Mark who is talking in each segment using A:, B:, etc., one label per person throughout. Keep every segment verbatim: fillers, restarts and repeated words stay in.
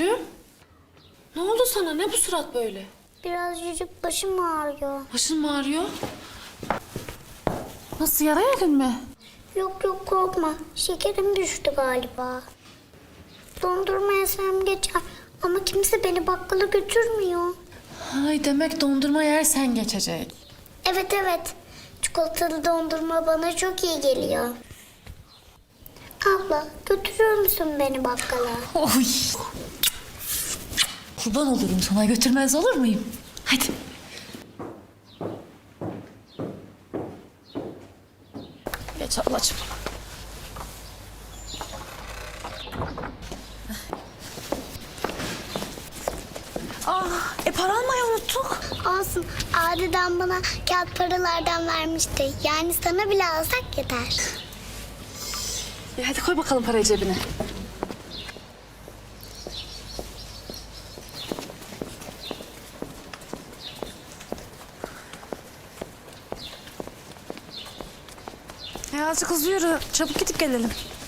A: Gülüm. Ne oldu sana? Ne bu surat böyle?
B: Birazcık başım ağrıyor.
A: Başın mı ağrıyor? Nasıl, yara yedin mi?
B: Yok yok korkma. Şekerim düştü galiba. Dondurma yesem geçer. Ama kimse beni bakkala götürmüyor.
A: Ay, demek dondurma yersen geçecek.
B: Evet evet. Çikolatalı dondurma bana çok iyi geliyor. Abla götürür müsün beni bakkala?
A: Oy. Kurban olurum sana, götürmez olur muyum? Hadi. Geç ablacığım. Aa, e para almayı unuttuk.
B: Olsun. Adeden bana kağıt paralardan vermişti. Yani sana bile alsak yeter.
A: E hadi koy bakalım parayı cebine. Ya azıcık hızlı yürü. Çabuk gidip gelelim.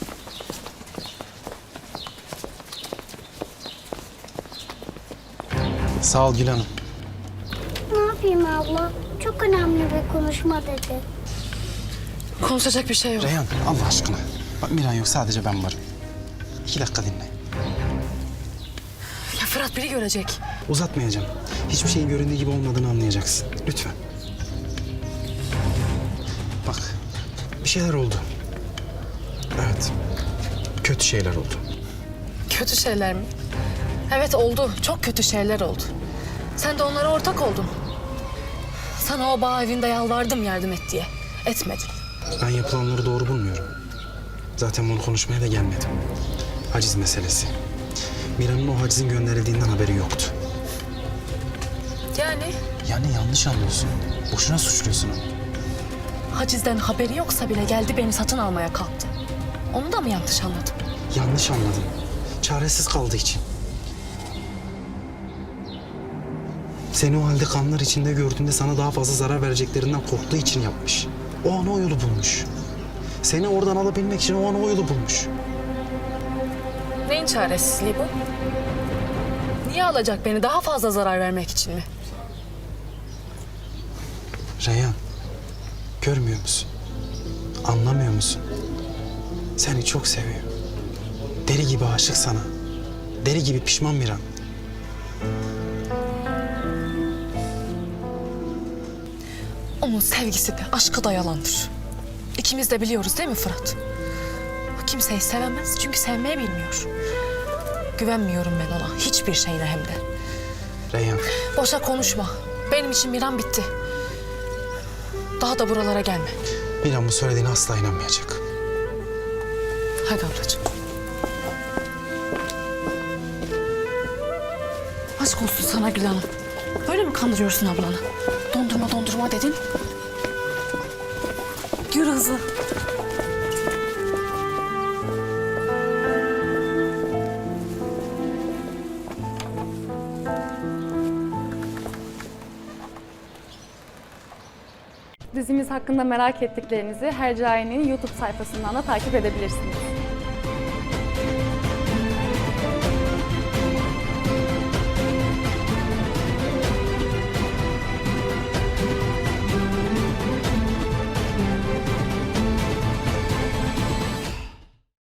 C: Sağ ol Gül Hanım.
B: Ne yapayım abla? Çok önemli bir konuşma dedi.
A: Konuşacak bir şey yok.
C: Reyhan Allah aşkına. Bak Miran yok, sadece ben varım. İki dakika dinle.
A: Ya Fırat biri görecek.
C: Uzatmayacağım. Hiçbir şeyin göründüğü gibi olmadığını anlayacaksın. Lütfen. Bak, bir şeyler oldu. Evet. Kötü şeyler oldu.
A: Kötü şeyler mi? Evet oldu. Çok kötü şeyler oldu. Sen de onlara ortak oldun. Sana o bağ evinde yalvardım yardım et diye. Etmedin.
C: Ben yapılanları doğru bulmuyorum. Zaten bunu konuşmaya da gelmedim. Haciz meselesi. Miran'ın o hacizin gönderildiğinden haberi yoktu.
A: Yani
C: Yani yanlış anlıyorsun. Boşuna suçluyorsun onu.
A: hacizden haberi yoksa bile geldi beni satın almaya kalktı. Onu da mı yanlış anladım?
C: Yanlış anladın. Çaresiz kaldığı için. Seni o halde kanlar içinde gördüğünde sana daha fazla zarar vereceklerinden korktuğu için yapmış. O an o yolu bulmuş. Seni oradan alabilmek için o an o yolu bulmuş.
A: Neyin çaresizliği bu? Niye alacak beni daha fazla zarar vermek için mi?
C: Reyhan, görmüyor musun? Anlamıyor musun? Seni çok seviyor. Deli gibi aşık sana. Deli gibi pişman Miran.
A: Onun sevgisi de aşkı da yalandır. İkimiz de biliyoruz değil mi Fırat? O kimseyi sevemez çünkü sevmeyi bilmiyor. Güvenmiyorum ben ona hiçbir şeyle hem de.
C: Reyhan,
A: Boşa konuşma. Benim için Miran bitti. Daha da buralara gelme.
C: Miran bu söylediğine asla inanmayacak.
A: Hadi ablacığım. Aşk olsun sana Gül Hanım. Böyle mi kandırıyorsun ablanı? Dondurma dondurma dedin. Yürü hızlı.
D: Dizimiz hakkında merak ettiklerinizi Hercai'nin YouTube sayfasından da takip edebilirsiniz.